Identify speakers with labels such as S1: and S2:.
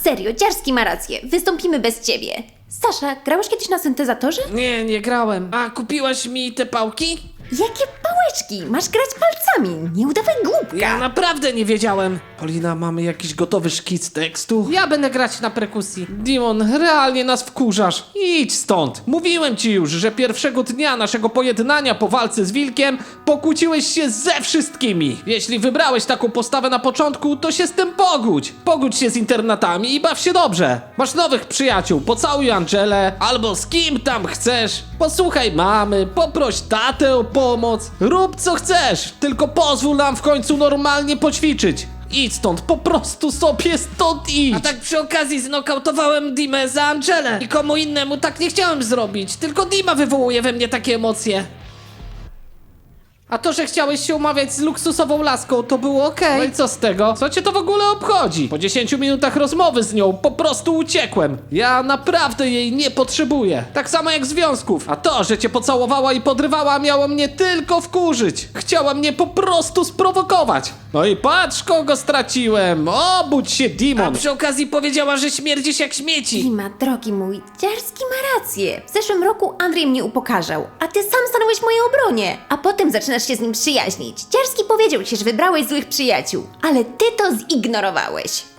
S1: Serio, Dziarski ma rację. Wystąpimy bez ciebie. Sasza, grałeś kiedyś na syntezatorze?
S2: Nie grałem. A kupiłaś mi te pałki?
S1: Jakie pałeczki? Masz grać palcami. Nie udawaj głupka.
S2: Ja naprawdę nie wiedziałem.
S3: Polina, mamy jakiś gotowy szkic tekstu?
S2: Ja będę grać na perkusji. Dimon, realnie nas wkurzasz.
S3: Idź stąd! Mówiłem ci już, że pierwszego dnia naszego pojednania po walce z wilkiem pokłóciłeś się ze wszystkimi. Jeśli wybrałeś taką postawę na początku, to się z tym pogódź. Pogódź się z internatami i baw się dobrze. Masz nowych przyjaciół, pocałuj Angelę, albo z kim tam chcesz. Posłuchaj mamy, poproś tatę o pomoc. Rób co chcesz, tylko pozwól nam w końcu normalnie poćwiczyć. Idź stąd, po prostu sobie stąd idź!
S2: A tak przy okazji znokautowałem Dimę za Angelę. Nikomu innemu tak nie chciałem zrobić. Tylko Dima wywołuje we mnie takie emocje. A to, że chciałeś się umawiać z luksusową laską, to było okej.
S3: No i co z tego? Co cię to w ogóle obchodzi? Po 10 minutach rozmowy z nią po prostu uciekłem. Ja naprawdę jej nie potrzebuję. Tak samo jak związków. A to, że cię pocałowała i podrywała, miało mnie tylko wkurzyć. Chciała mnie po prostu sprowokować. No i patrz, kogo straciłem. Obudź się,
S2: A
S3: Dimon.
S2: przy okazji powiedziała, że śmierdzisz jak śmieci.
S1: Dima, drogi mój, Dziarski ma rację. W zeszłym roku Andrzej mnie upokarzał, a ty sam stanąłeś w mojej obronie. A potem zaczynasz się z nim przyjaźnić. Dziarski powiedział ci, że wybrałeś złych przyjaciół, ale ty to zignorowałeś.